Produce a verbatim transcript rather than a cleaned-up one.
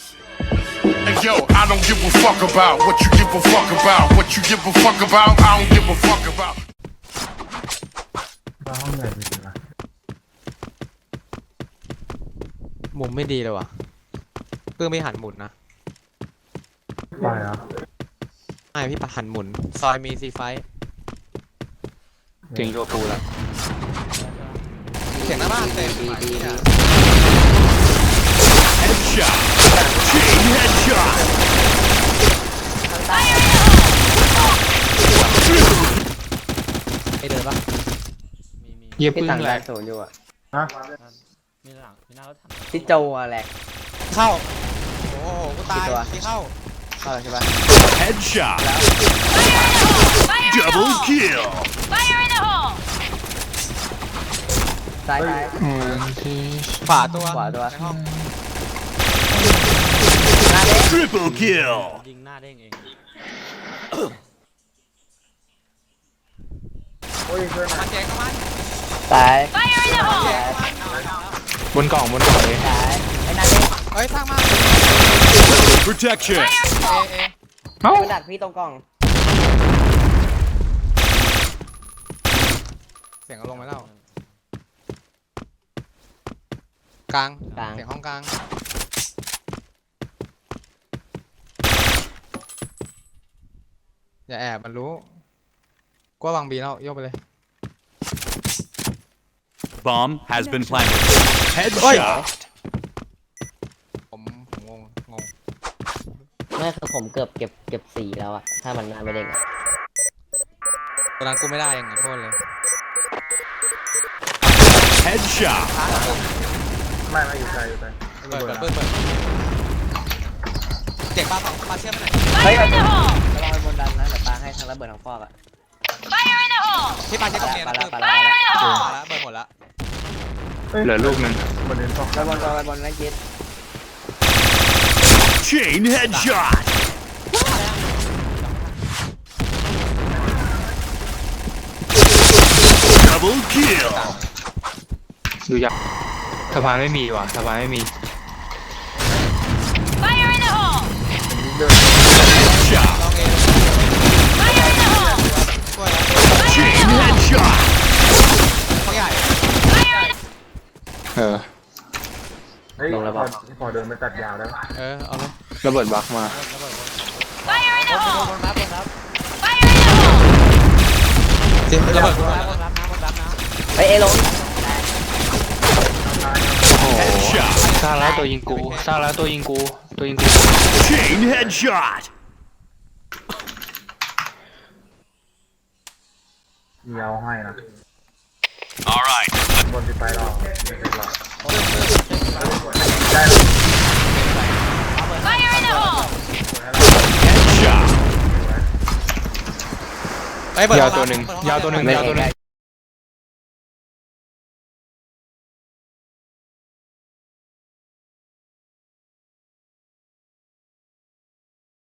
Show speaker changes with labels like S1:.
S1: Hey yo, I don't give a fuck about what you give a fuck about. What you give a fuck about, I don't give a fuck about.
S2: บ้าห้องใหญ่จริงๆนะ
S3: มุมไม่ดีเลยว่ะเพื่อไม่หันหมุนนะ
S2: ไปอ่ะ
S3: ไม่พี่ปะหันหมุนซอยมีซีไฟ
S4: เก่งโยปูแล้ว
S3: เสียงหน้าบ้านเต็มดีดี
S1: Headshot. Chain headshot.
S3: ไอเดินปะ
S4: เยียบ
S5: พี่
S4: พึ่ง
S5: ต่าง
S4: แห
S5: แร
S4: ละ
S5: กศูนย์อยู่อ่ะ
S2: ฮะ
S5: พี่โจอะแหลก
S3: เข้าโอ้โหกูตาย
S5: กี่ตัว
S3: ที่เข้า
S5: เข้าแล้วใช่ปะ
S1: Headshot. Double kill.
S6: Fire in the hole!
S5: ซ้ายซ้าย
S4: อืมที่
S3: ขวาตัว
S5: ขวาตัว
S3: ในห้อง
S1: Triple kill.
S7: ยิงหน้าเด้งเอง
S2: โอ้ยเพื่อน
S3: มันแจกเข้ามัน
S5: ซ้าย
S6: Fire in the
S3: แจ
S6: hole!
S3: กเข้ามัน
S4: บนกล่องบนกล่องเลย
S5: ซ้ายไอ้นั่นเอง
S3: เฮ้ยพังมา
S1: Protection.
S3: เอเอ
S4: เอ้า
S5: มันดักพี่ตรงกล่อง
S3: เสียงเอาลงไปแล้วกลาง
S5: กลาง
S3: เสียงห้องกลางอย่าแอบมันรู้ก็วางบีแล้วโยกไปเลย
S1: Bomb has been planted. Headshot.
S3: ผมผมงงงง
S5: ไม่คือผมเกือบเก็บเก็บสี่แล้วอะถ้ามันหน้าไม่เด้งอะ
S3: ตอนนั้นกูไม่ได้ยังไงโทษเลย
S1: Headshot.
S2: ไม่ไม่อยู่ไกลอยู่ไกล
S3: เปิดเปิดเปิดเปิดเจ็บปลาสองปลาเชื่อมไปไหน
S6: Fire in the hole!
S5: ระวังบนดันนะเดี๋ยวปาให้ทั้งระเบิดทั้งฟอกอะ
S6: Fire in the hole!
S3: พี่ปลาเช็คตรงนี้นะ
S5: ปลา
S3: คือ
S5: ละ
S3: ป
S5: ป
S3: ลา
S5: ลาละ
S3: ละ
S5: ปลาละ
S3: ปลาละเบิร์หมดละ
S4: เหลือลูกหนึ่ง
S2: ประเด็นต้อง
S5: ไปบนไปบนนั่นคิด
S1: Chain headshot. Double kill.
S4: ดูยักษ์สะพานไม่มีว่ะสะพานไม่มี
S6: Fire in the hole!
S1: Headshot.
S3: ลองเอ
S6: Fire in the hole!
S3: ช่วยแล้ว
S1: Chain headshot.
S3: เขาใหญ่
S4: เออ
S2: เฮ้ยพอพอเดินไปตัดยาวแล้ว
S3: เออเอาเลย
S4: ระเบิดบักมา
S6: Fire in the
S5: บน
S6: hole!
S5: บนรับนรับ
S6: Fire in the hole!
S3: เจ็บระเบิด
S5: บนรับรับนะบนรับนะเฮ้ยเอลง
S4: โอ้โห
S1: Headshot.
S4: สร้างแล้วตัวยิงกูสร้างแล้วตัวยิงกูตัวยิงกู
S1: Chain headshot.
S2: มีเอาให้นะ
S1: All right.
S2: บนที่ไปรอไม่เป็นไร
S6: Fire in the hole!
S1: Headshot.
S3: เฮ้ยเบิร์
S4: ยาวตัวหนึ่งยาวตัวหนึ่งยาวตัวหนึ่ง